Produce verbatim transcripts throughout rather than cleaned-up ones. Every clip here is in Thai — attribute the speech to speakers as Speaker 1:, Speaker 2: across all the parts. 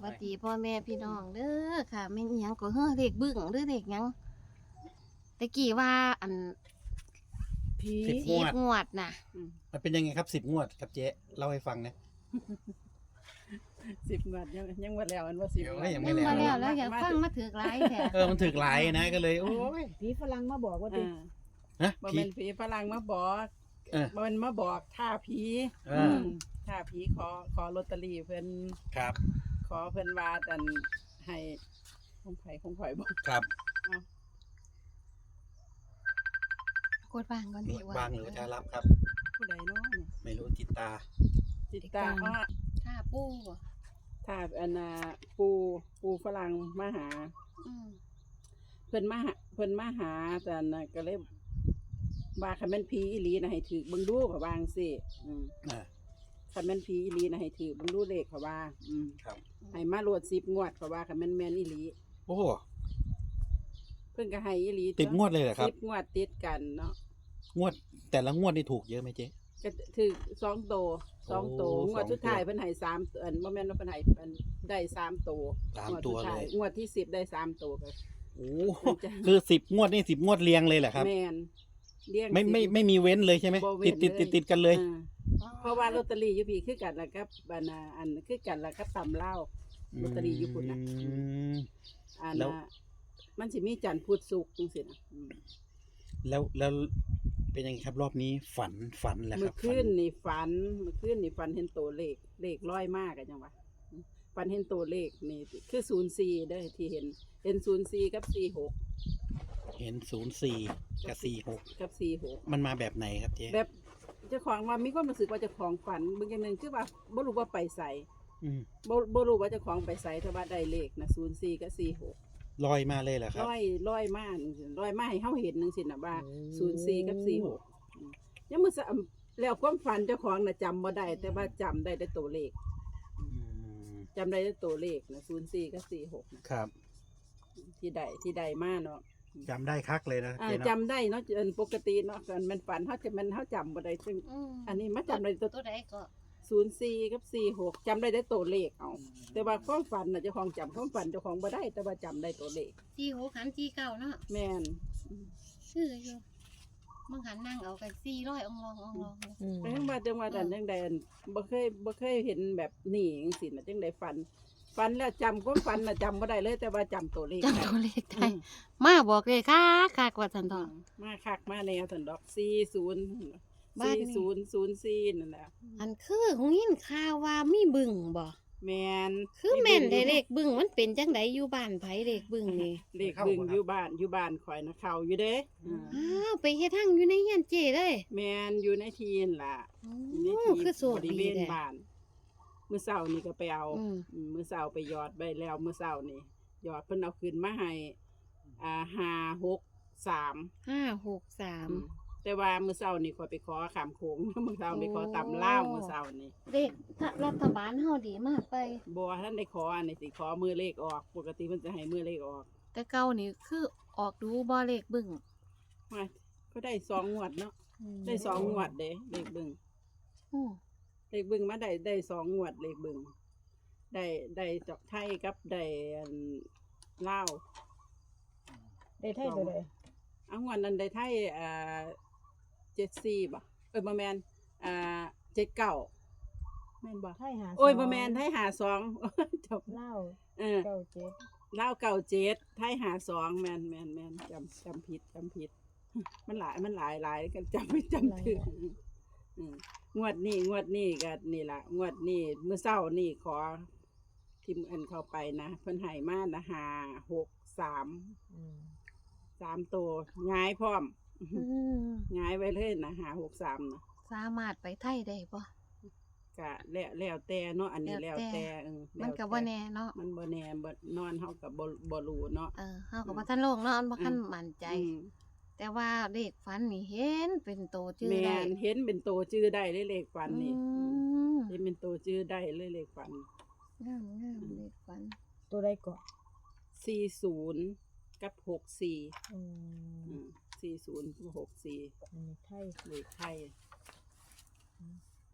Speaker 1: วัสดีพ่อแม่พี่น้องเด้อค่ะแม่นอิหยังก็เฮ้อเด็กบึ้งหรือเด็กหยังตะกี้ว่าอัน
Speaker 2: ผี
Speaker 3: สิบ
Speaker 1: สิบงวดน่ะ
Speaker 3: มันเป็นยังไงครับสิบงวดครับเจ๊เล่าให้ฟังนะ
Speaker 2: สิบงวดยังยังว่าแล้วมันว่าสิบ
Speaker 3: เดี๋ยว
Speaker 2: งวด
Speaker 3: ยัง
Speaker 1: ยังมาแล้วแล้วอยากฟังมาถือกหลายแท้
Speaker 3: เออมันถึกหลายนะก็เลยโอ้ย
Speaker 4: ผีฝรั่งมาบอกว่าติ
Speaker 2: อ่า
Speaker 3: นะ
Speaker 2: บ่
Speaker 3: ผี
Speaker 2: แม่นผีฝรั่งมาบอก
Speaker 3: เออ
Speaker 2: บ่แม่นมาบอกท่าผี
Speaker 3: เอออื
Speaker 2: มท่าผีขอขอลอตเตอรี่เพิ่น
Speaker 3: ครับ
Speaker 2: ขอเพิ่นว่าอันให้คงไผคงข่อยบ่
Speaker 3: ครับ
Speaker 1: กดวางก่อน
Speaker 3: หน
Speaker 1: ดี
Speaker 3: วด
Speaker 1: ว่า
Speaker 3: บางหรือจะรับครับ
Speaker 2: ผู้ใดเนาะเนี่ย
Speaker 3: ไม่รู้จิตตา
Speaker 2: จิตตาอ้อ
Speaker 1: ถ้าปูบ่
Speaker 2: ท่าอันน่ะปูปูฝรั่งมาหา
Speaker 1: อืม
Speaker 2: เพิ่นมาหาเพิ่นมาหาแต่อันน่ะก็เลยว่าคันแม่นผีอีหลีน่ะให้ถือเบิ่งดูก็วาจั่งซี่อืม
Speaker 3: อ่า
Speaker 2: คันแม่นผีอีหลีนะให้ถือเบิ่งดูเลขเขาว่า อืม
Speaker 3: ครับ
Speaker 2: ให้มาโหลดสิบงวดเขาว่าคันแม่นแม่นอีหลี
Speaker 3: โอ้
Speaker 2: เพิ่นก็ให้อีหลี
Speaker 3: ติดงวดเลยเหรอครับ
Speaker 2: สิบงวดติดกันเนาะ
Speaker 3: งวดแต่ละงวดนี่ถูกเยอะไหมเจ๊
Speaker 2: ก็ถือสองโตสองโต
Speaker 3: โอ้
Speaker 2: งวด
Speaker 3: สอง
Speaker 2: สุดท้าย
Speaker 3: ตัว
Speaker 2: เพิ่นให้สามอันบ่แม่นว่าเพิ่นให้อันได้สามโต
Speaker 3: สาม
Speaker 2: งวด
Speaker 3: ตัว
Speaker 2: สุดท้า
Speaker 3: เลย
Speaker 2: งวดที่สิบได้สามโตก็
Speaker 3: โอ้
Speaker 2: มันจะ
Speaker 3: คือสิบงวดนี่สิบงวดเรียงเลยเหรอครับ
Speaker 2: แม่นเลี้ยง
Speaker 3: ไม่ไม่
Speaker 2: สิบ
Speaker 3: ไม่มีเว้นเลยใช่ไหม
Speaker 2: บ่เว้
Speaker 3: ติด
Speaker 2: น
Speaker 3: ติด
Speaker 2: เลย
Speaker 3: ติดติดกันเลย
Speaker 2: อ่าเพราะว่าลอตเตอรี่อยู่พี่คือกันแล้วกับอันน่ะอันคือกันแล้วกับตำเล่าวลอตเตอรี่อยู่พุ่นน่ะ
Speaker 3: อืม
Speaker 2: อัน
Speaker 3: แล้ว
Speaker 2: น่ะมันสิมีจันทร์พุธศุกร์จังซี่นะอืม
Speaker 3: แล้วแล้วเป็นยังไงครับรอบนี้ฝันฝันแหละค
Speaker 2: เมื่
Speaker 3: รั
Speaker 2: อบ คืนนี่ฝันเมื่อคืนนี่ฝันเห็นตัวเลขเลขร้อยมากอะจังวะฝันเห็นตัวเลขนี่คือศูนย์สี่เด้อที่เห็นเห็นศูนย์สี่กับสี่หก
Speaker 3: เห็นศูนย์สี่กับสี่หก
Speaker 2: กับสี่หก
Speaker 3: มันมาแบบไหนครับเจ๊
Speaker 2: แบบเจ้าของว่ามีความรู้สึกว่าเจ้าของฝันบางอย่างหนึ่งคือว่าบ่รู้ว่าไปใส่
Speaker 3: อืม
Speaker 2: บ่บ่รู้ว่าเจ้าของไปใส่แต่ว่าได้เลขนะศูนย์สี่กับสี่หก
Speaker 3: ลอยมาเลยเหรอครับ
Speaker 2: ร้อยร้อยมากร้อยมากให้เฮาเห็นนึงสินะว่า
Speaker 3: โอ้
Speaker 2: ศูนย์สี่กับสี่หกยังมือสะแล้วความฝันเจ้าของน่ะจำบ่ได้แต่ว่าจำได้แต่ตัวเลข
Speaker 3: อืม
Speaker 2: จำได้แต่ตัวเลขนะศูนย์สี่กับสี่หกนะครับ ที่ใดที่ใดมาเนาะ
Speaker 3: จำได้คักเลยนะ
Speaker 2: อ่า
Speaker 3: เจ๊เนาะ
Speaker 2: จำได้เนาะเอิ้นปกติเนาะกันมันฝันเขาจะมันเขาจำบ่ได้ซึ่ง
Speaker 1: อืม
Speaker 2: อันนี้มาจำได้ตัว
Speaker 1: ตัวใดก็
Speaker 2: ศูนย์สี่กับสี่หกจำได้แต่ตัวเลขเอาแต่ว่าความฝันน่ะเจ้าของจำความฝันเจ้าของบ่ได้ แต่ว่าจำได้ตัวเลข
Speaker 1: สี่หกหันสี่เก้าเนาะ
Speaker 2: แม่น
Speaker 1: ชื่ออยู่มึงหันนั่งเอากันสี่ร้อยองลององลองเลย
Speaker 4: อืม
Speaker 2: แต่จังว่าจังว่าแต่จังใดอันบ่เคยบ่เคยเห็นแบบนี้จังซี่น่ะจังไดฝันฝันแล้วจำความฝันน่ะจำบ่ได้เลย แต่ว่าจำตัวเลข
Speaker 1: จำตัวเลขได้
Speaker 2: อืม
Speaker 1: มาบอกเลยค่ะค่ะกว่าสันทอง
Speaker 2: มาคักมาแนวสันดอกสี่ศูนย์
Speaker 1: บ้าน
Speaker 2: สี่
Speaker 1: นี่
Speaker 2: ศูนย์ศูนย์สี่นั่นแหละ
Speaker 1: อันคือหงยินข่าวว่ามีบึงบ่
Speaker 2: แมน
Speaker 1: คือแม่นได้เลขบึงมันเป็นจังไดอยู่บ้านไผเลขบึงนี่
Speaker 2: เลขบึงอยู่บ้านอยู่บ้านข่อยนะเขาอยู่เด้อ่า
Speaker 1: อ้าวไปเฮ็ดทางอยู่ในเฮียนเจ้เลย
Speaker 2: แมนอยู่ในทีนล่ะ
Speaker 1: โอ้
Speaker 2: อยู่ในที
Speaker 1: คือโส
Speaker 2: บ
Speaker 1: ด
Speaker 2: ริ
Speaker 1: ดี
Speaker 2: เวณ
Speaker 1: แท้
Speaker 2: บ้านมื้อเช้านี่ก็ไปเอา
Speaker 1: อืม
Speaker 2: อืมมื้อเช้าไปหยอดใบแล้วมื้อเช้านี่หยอดเพิ่นเอาขึ้นมาให้อ่าห้าหกสาม
Speaker 1: ห้าหกสาม
Speaker 2: แต่ว่ามื้อเช้านี่ข่อยไปขอขามโขง มื้อเช้าไปขอตำลาวมื้อเช้านี่
Speaker 1: เลขรัฐบาลเฮาดีมากไป
Speaker 2: บ่ท่านได้ขออันนี้สิขอมือเลขออก ปกติเพิ่นจะให้มือเลขออก
Speaker 1: แต่เก่านี่คือออกดูบ่เลขบึง
Speaker 2: มาก็ได้สองงวดเนาะได้สองงวดเด้เลขเบึง
Speaker 1: อือ
Speaker 2: เลขเบึงมาได้ได้สองงวดเลขเบึงได้ได้จอกไทยกับได้อันลาว
Speaker 4: ได้ไทยตัวใด
Speaker 2: เอางวดนั้นได้ไทยอ่าเจ็ดสี่บ่เอ้ยบ่แม่นอ่าเจ็ดเก้าแม่นบ่
Speaker 4: ไทยหา
Speaker 2: โอ้ยบ่แม่นไทยหาสอง จบ
Speaker 4: เล่าว
Speaker 2: เออ
Speaker 4: เก้าเจ็ด
Speaker 2: ลาวเก้าเจ็ดไทยหาสองแม่นแม่นแม่นจำจำผิดจำผิด มันหลายมันหลายหลายกันจำไม่จำถึงอืมงวดนี้งวดนี้ก็นี่ล่ะงวดนี้เมื่อเช้านี่ขอทิมอันเข้าไปนะเพิ่นให้มานะห้าหกสาม
Speaker 4: อืม
Speaker 2: สามตัวง่ายพร้อม
Speaker 1: อืม
Speaker 2: ง่ายไว้เลยนะห้าหกสามนะ
Speaker 1: สามารถไปไทยได้บ่
Speaker 2: กะแล้วแล้วแต่เนาะอันนี้
Speaker 1: แล้
Speaker 2: แล้ว ว
Speaker 1: แต่
Speaker 2: แต่เออ
Speaker 1: มันก็บ่แน่เนาะ
Speaker 2: มันบ่แน่บ่นอนเฮาก็บ่บ่รู้เนาะ
Speaker 1: เออเฮาก็บ่ทันโลกเนาะอันบ่ทันมั่นใจ
Speaker 2: อืม
Speaker 1: แต่ว่าเลขฝันนี่เห็นเป็นโตชื่อ
Speaker 2: แม่
Speaker 1: ได้
Speaker 2: นเห็นเป็นตัวชื่อได้เลยเลขฟันนี่
Speaker 1: อืม
Speaker 2: เห็นเป็นตัวชื่อได้เลยเลขฟัน
Speaker 1: งามงามเลขฝัน
Speaker 4: ตัวใดก่อน
Speaker 2: สี่ศูนย์กับหกสี่
Speaker 4: อืม
Speaker 2: สี่ศูนย์กับหกสี่
Speaker 4: อันนี้ไทย
Speaker 2: เลขไทย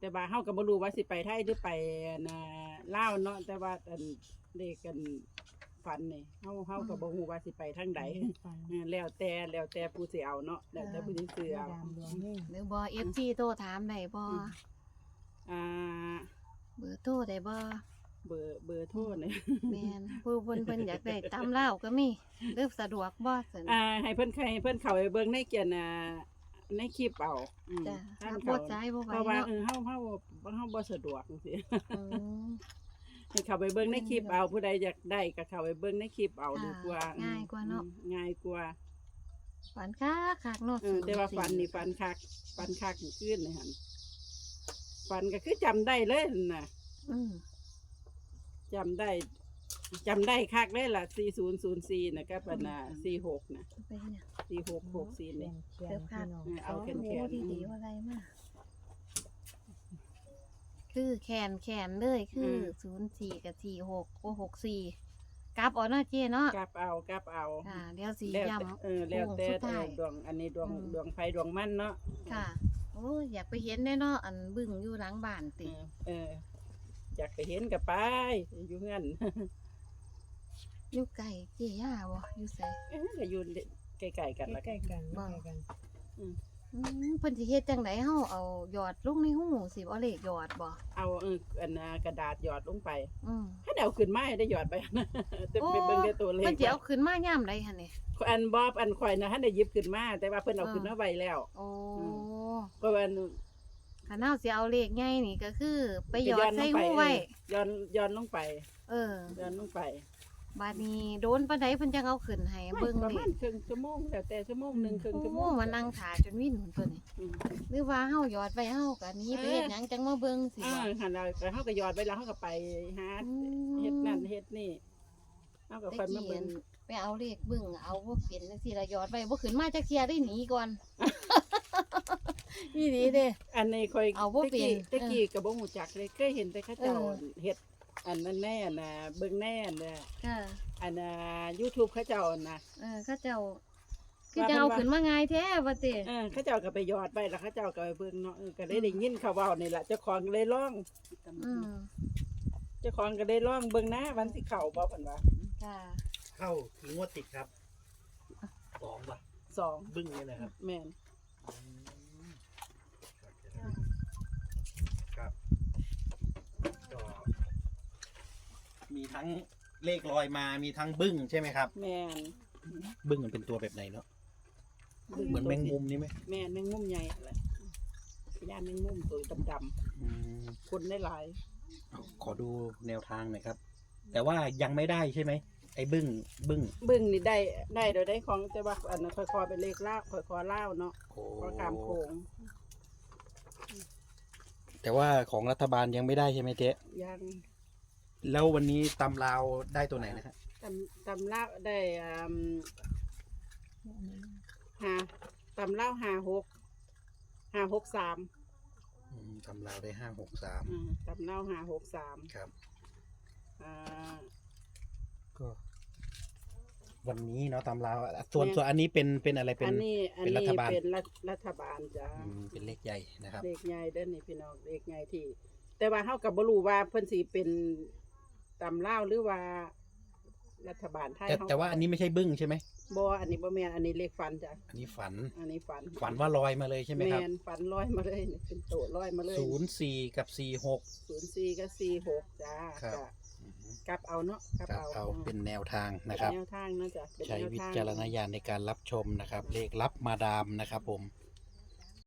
Speaker 2: แต่ว่าเฮาก็บ่รู้ว่าสิไปไทยหรือไปน่ะลาวเนาะแต่ว่าอันเลขกันฝันนี่เฮาเฮาก็บ่ฮู้ว่าสิไปทางใด
Speaker 4: ฟัง
Speaker 2: เออแล้วแต่แล้วแต่ผู้สิเอาเนาะแล้วแต่ผู้สิซื้อ
Speaker 4: มา
Speaker 2: เอา
Speaker 4: ดามดวงนี่
Speaker 1: หรือบ่ เอฟ ซี โทรถามได้บ่
Speaker 2: อ่า
Speaker 1: เบอร์โทรได้บ่
Speaker 2: เบอร์เบอร์โทรเนี่ย
Speaker 1: แม่นผู้เพิ่นเพิ่นอยากได้ตำเล่าวก็มีหรือสะดวกบ่ซั่น
Speaker 2: อ่าให้เพิ่นให้เพิ่นเข้าไปเบิ่งในเกียนน่ะในคลิปเอาอืม
Speaker 1: จ้ะ
Speaker 2: ท่าน
Speaker 1: ถ้าบ่
Speaker 2: เขา
Speaker 1: ใจบ่ไหว
Speaker 2: เพราะว่า
Speaker 1: เนาะ
Speaker 2: เออเฮาเฮาเฮาบ่สะดวกจังซี่
Speaker 1: อืม
Speaker 2: ให้เข้าไปเบิ่งในคลิปเอาผู้ใดอยากได้ก็เข้าไปเบิ่งในคลิปเอา
Speaker 1: ค่ะ
Speaker 2: ดีกว่า
Speaker 1: ง่ายกว่าเนาะ
Speaker 2: อืมง่ายกว่า
Speaker 1: ฝันคักคักเนาะ
Speaker 2: เออแต่ว่าฟันนี่ฟันคักฟันคักขึ้นเลยหั่นฟันก็คือจำได้เลยน่ะ
Speaker 1: อืม
Speaker 2: จำได้จำได้คักเลยล่ะสี่ศูนย์ศูนย์สี่นะก็เป็นน่ะสี่หกนะ
Speaker 1: ไปเนี่ย
Speaker 2: สี่หกหกสี่
Speaker 4: เขีย
Speaker 2: นี่
Speaker 4: นเขียนพี่น้อง
Speaker 2: เอา
Speaker 1: โอ้
Speaker 2: แขน
Speaker 1: โห
Speaker 2: แขน
Speaker 1: ดีดีว่าอะไรมาคือแขนแขนเลยคือศูนย์สี่กับสี่หกโอหกสี่กลับเอาเนาะเจ้เนาะ
Speaker 2: กลับเอากลับเอา
Speaker 1: ค่ะเดี๋ยวสี
Speaker 2: แล้ว
Speaker 1: ย้
Speaker 2: แต่เออแล้วแต่
Speaker 1: โค้งสุดท้าย
Speaker 2: เออดวงอันนี้ดวง
Speaker 1: อืม
Speaker 2: ดวงไฟดวงมันเนาะ
Speaker 1: ำค่ะ โอ้ยอยากไปเห็นได้เนาะอันบึ้งอยู่หลังบ้าน
Speaker 2: เอ
Speaker 1: ติ
Speaker 2: อเอออยากไปเห็นกับไปอยู่เงื่อน
Speaker 1: อยู่ไก่เจีย่าบ่อยู่ใส่
Speaker 2: เออก็อยู่ใกล้ๆกันละ
Speaker 4: ใกล้ๆกัน
Speaker 1: บ้า
Speaker 4: ใกล้ๆกัน
Speaker 1: อืมเพิ่นสิเฮ็ดจังไดเฮาเอาหยอดลงในหูสิเอาเลขหยอดบ่
Speaker 2: เอาเอออันน่ะกระดาษหยอดลงไป
Speaker 1: อืม
Speaker 2: ถ้าเอาขึ้นมาให้ได้หยอดไป จะไปเบิ่งได้ตัวเลข
Speaker 1: เพิ่นสิเอาขึ้นมายามใดหั่นนี่
Speaker 2: อันบอบอันข่อยนะท่านได้หยิบขึ้นมาแต่ว่าเพิ่นเอา
Speaker 1: อ่า
Speaker 2: ขึ้นมาไว้แล้ว
Speaker 1: โอ้
Speaker 2: เพราะว่า
Speaker 1: คันเฮาสิเอาเลขใหญ่นี่ก็คือ ไปหยอดใส่หูไว้
Speaker 2: ย้อนย้อนลงไป
Speaker 1: เออ
Speaker 2: ย้อนลงไป
Speaker 1: บาดนี้โดนปานใดเพิ่นจังเอาขึ้นให้เบิ่ง
Speaker 2: ประ
Speaker 1: เล
Speaker 2: มาณ
Speaker 1: ย
Speaker 2: ครึ่งชั่วโมงแล้วแต่ชั่วโมงหนึงครึ่ง
Speaker 1: โอ้
Speaker 2: ชั่วโมง
Speaker 1: มานั่งถ่าจนวิ่นหุ่นตัวนี้
Speaker 2: อืม
Speaker 1: หรือว่าเฮาหยอดไว้เฮาก็หนี้ไปเฮ็ดหยังจังมาเบิ่งสิ
Speaker 2: อ่า
Speaker 1: ว่า
Speaker 2: หันเราไปเฮาก็หยอดไปแล้วเฮาก็ไปหา
Speaker 1: อืม
Speaker 2: เฮ็ดนั่นเฮ็ดนี่เฮาก็
Speaker 1: ตะ
Speaker 2: ค่อยมา
Speaker 1: กี้
Speaker 2: เบิ่ง
Speaker 1: ไปเอาเลขเบิ่งเอาบ่เป็นจังซี่ละหยอดไว้บ่ขึ้นมาจักเที่ยได้หนีก่อน นี่ดีเด้
Speaker 2: อันนี้ค่อย
Speaker 1: เอาบ่
Speaker 2: ตะ
Speaker 1: เป็น
Speaker 2: กี้ตะกี้ก็บ่ฮู้จักเลยเคยเห็นแต่เขาเจ้า
Speaker 1: เออ
Speaker 2: เฮ็ดอันนั้นแน่น่ะเบิ่งแน่น่ะ
Speaker 1: ค่ะ
Speaker 2: อันน่ะ YouTube เขาเจ้าน่ะ
Speaker 1: เออเขาเจ้าคือจะเอาขึ้นมาง่ายแท้ว่าติ
Speaker 2: เออเขาเจ้าก็ไปหยอดไปแล้วเขาเจ้าก็ไปเบิ่งเนาะเออก็เลยได้ยินเขาเว้านี่ล่ะเจ้าของก็เลยร้อง
Speaker 1: อืม
Speaker 2: เจ้าของก็เลยร้องเบิ่งนะวันสิเข้าบ่เพิ่นว่า
Speaker 1: ค่ะ
Speaker 3: เข้าถึงงวดติดครับสองป่ะ
Speaker 2: สอง
Speaker 3: บึ้งเนี่ยนะครับ
Speaker 2: แม่น
Speaker 3: ครับก็มีทั้งเลขลอยมามีทั้งบึ้งใช่ไหมครับ
Speaker 2: แม่น
Speaker 3: บึ้งมันเป็นตัวแบบไหนเนาะเหมือนแมงมุมนี่ไหม
Speaker 2: แม่นแมงมุมใหญ่แหละย่านแมงมุมตัวดำ
Speaker 3: อืม
Speaker 2: ๆคนได้หลาย
Speaker 3: ขอดูแนวทางหน่อยครับ แต่ว่ายังไม่ได้ใช่ไหมไอ้บึ้งบึ้ง
Speaker 2: บึ้งนี่ได้ได้โดยได้ของแต่ว่าอันนั้นค่อยๆเป็นเลขลาวค่อยๆลาวเนาะ
Speaker 3: โอ้
Speaker 2: ก็ตามโคง
Speaker 3: แต่ว่าของรัฐบาลยังไม่ได้ใช่ไหมเจ๊
Speaker 2: ยัง
Speaker 3: แล้ววันนี้ตำลาวได้ตัวไหนนะครับ
Speaker 2: ตำตำลาวได้อืมหาตำลาวหาหกหาหกสาม
Speaker 3: อืมตำลาวได้ห้าหกสาม
Speaker 2: อืมตำลาวหาหกสาม
Speaker 3: ครับ
Speaker 2: อ่า
Speaker 3: ก็ วันนี้เนาะตำลาวส่วนส่วนอันนี้เป็นเป็นอะไรเป็น
Speaker 2: อันนี้อัน
Speaker 3: เป็นรั
Speaker 2: นี้
Speaker 3: ฐบาล
Speaker 2: เป็นรัฐรัฐบาลจ้า
Speaker 3: อืมเป็นเลขใหญ่นะครับ
Speaker 2: เลขใหญ่เด้อนี่พี่น้องเลขใหญ่ที่ แต่ว่าเฮากับบ่รู้ว่าเพิ่นสิเป็นตำลาวหรือว่ารัฐบาลไทย
Speaker 3: แต่
Speaker 2: เฮ
Speaker 3: แต่ว่าอันนี้ไม่ใช่บึ้งใช่ไหม
Speaker 2: บ่อันนี้บ่แม่นอันนี้เลขฝันจ้ะ
Speaker 3: อันนี้ฝัน
Speaker 2: อันนี้ฝัน
Speaker 3: ฝันว่าลอยมาเลยใช่ไหมครับ
Speaker 2: แม่นฝันลอยมาเลยนี่เป็นโตลอยมาเลย
Speaker 3: ศูนย์สี่กับสี่หก
Speaker 2: ศูนย์สี่กับสี่หกจ้า
Speaker 3: ครับ
Speaker 2: จ้ะกลับเอาเนาะกลับ
Speaker 3: ครับ
Speaker 2: เอา
Speaker 3: เอาเป็นแนวทางนะครับ
Speaker 2: แนวทางเนาะจ้ะเป็น
Speaker 3: ใช้
Speaker 2: แนว
Speaker 3: วิ
Speaker 2: ทาง
Speaker 3: จารณญาณในการรับชมนะครับ เลขรับมาดามนะครับผม